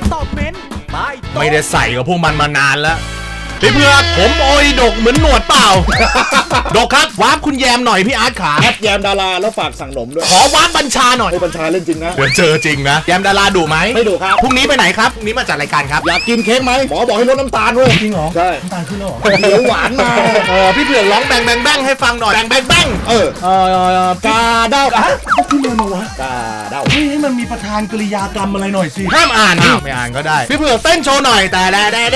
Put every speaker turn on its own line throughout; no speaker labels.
ตอบเม้นใต้โต๊ะ
ไม่ได้ใส่กับพวกมันมานานแล้วพี่เผือกผมโอยดกเหมือนหนวดเปล่า ดกครับวาร์ปคุณแยมหน่อยพี่อาร์ตขา
แอดแยมดาราแล้วฝากสั่งหนมด้วย
ขอวาร์ปบัญชาหน่อย
ให้บัญชาเล่นจริงนะ
เดี๋ยวเจอจริงนะแยมดาราดุไหม
ไม่ดุครับ
พรุ่งนี้ไปไหนครับพรุ่งนี้มาจัดรายการครับ
อยากกินเค้กไหมหมอบอกให้ลดน้ำตาลเว้ย
จริงเหรอ
ใช่
น้ำตาลขึ้นแล้วเหรอ
เดี๋ยวหวานมา
พี่เผือกร้องแบงแบงแบงให้ฟังหน่อยแบงแบงแบง
กาเด้า
ที่เรียนมาวะ
กาเด้า
ให้มันมีประธานกริยากรรมอะไรหน่อยสิ
ห้ามอ่านไม่อ่านก็ได้พี่เผือกเต้นโชว์หน่อยแต่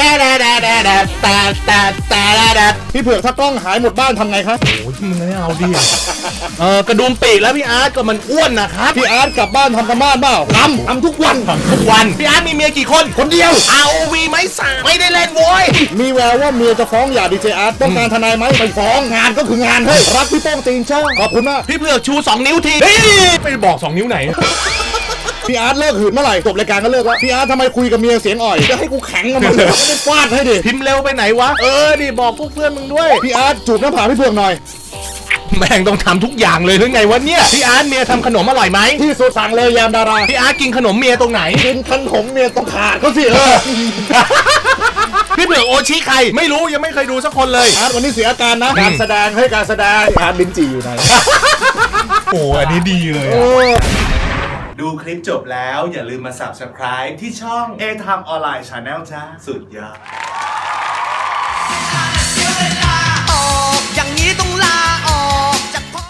แต่
พี่เผือกถ้ากล้องหายหมดบ้านทำไงครับ
โอ้ยมึงไม่เอาดิกระดุมปีกแล้วพี่อาร์ตก็มันอ้วนนะครับ
พี่อาร์ตกลับบ้านทำกันบ้านเปล่าทำทุกวัน
ทุกวันพี่อาร์ตมีเมียกี่คน
คนเดียว
ROV ไหมสาไม่ได้เล่นโว้ย
มีแววว่าเมียจะฟ้องหย่าดีเจอาร์ตต้องการทนายไหมไปฟ้องงานก็คืองานเฮ้ยรักพี่โป้งตีนเช่าขอบคุณมาก
พี่เผือกชู2 นิ้วทีไปบอก2 นิ้วไหน
พี่อาร์ตเลิกหืนเมื่อไหร่จบรายการก็เลิกแล้วพี่อาร์ตทำไมคุยกับเมียเสียงอ่อยจะให้กูแข็งกับมันเลยไม่ได้ฟาดให้ดิ
พิมพ์เร็วไปไหนวะดิบอกพวกเพื่อนมึงด้วย
พี่อาร์ตจูบหน้าผากพี่เผือกหน่อย
แม่งต้องทำทุกอย่างเลยหรือไงวะเนี่ยพี่อาร์ตเมียทำขนมอร่อยไหม
ที่สุดสั่งเลยยามดารา
พี่อาร์ตกินขนมเมียตรงไหน
กินขนมเมียต้องขาดเขาสิ
พี่เผือกโอชิใครไม่รู้ยังไม่เคยดูสักคนเลย
อาร์ตวันนี้เสียอาการนะการแสดงให้การแสดงอาร์ตลิ้นจี่อยู่ไหน
โอ้อันนี้ดีเลย
ดูคลิปจบแล้วอย่าลืมมา Subscribe ที่ช่อง A Time Online Channel จ้าสุดยอด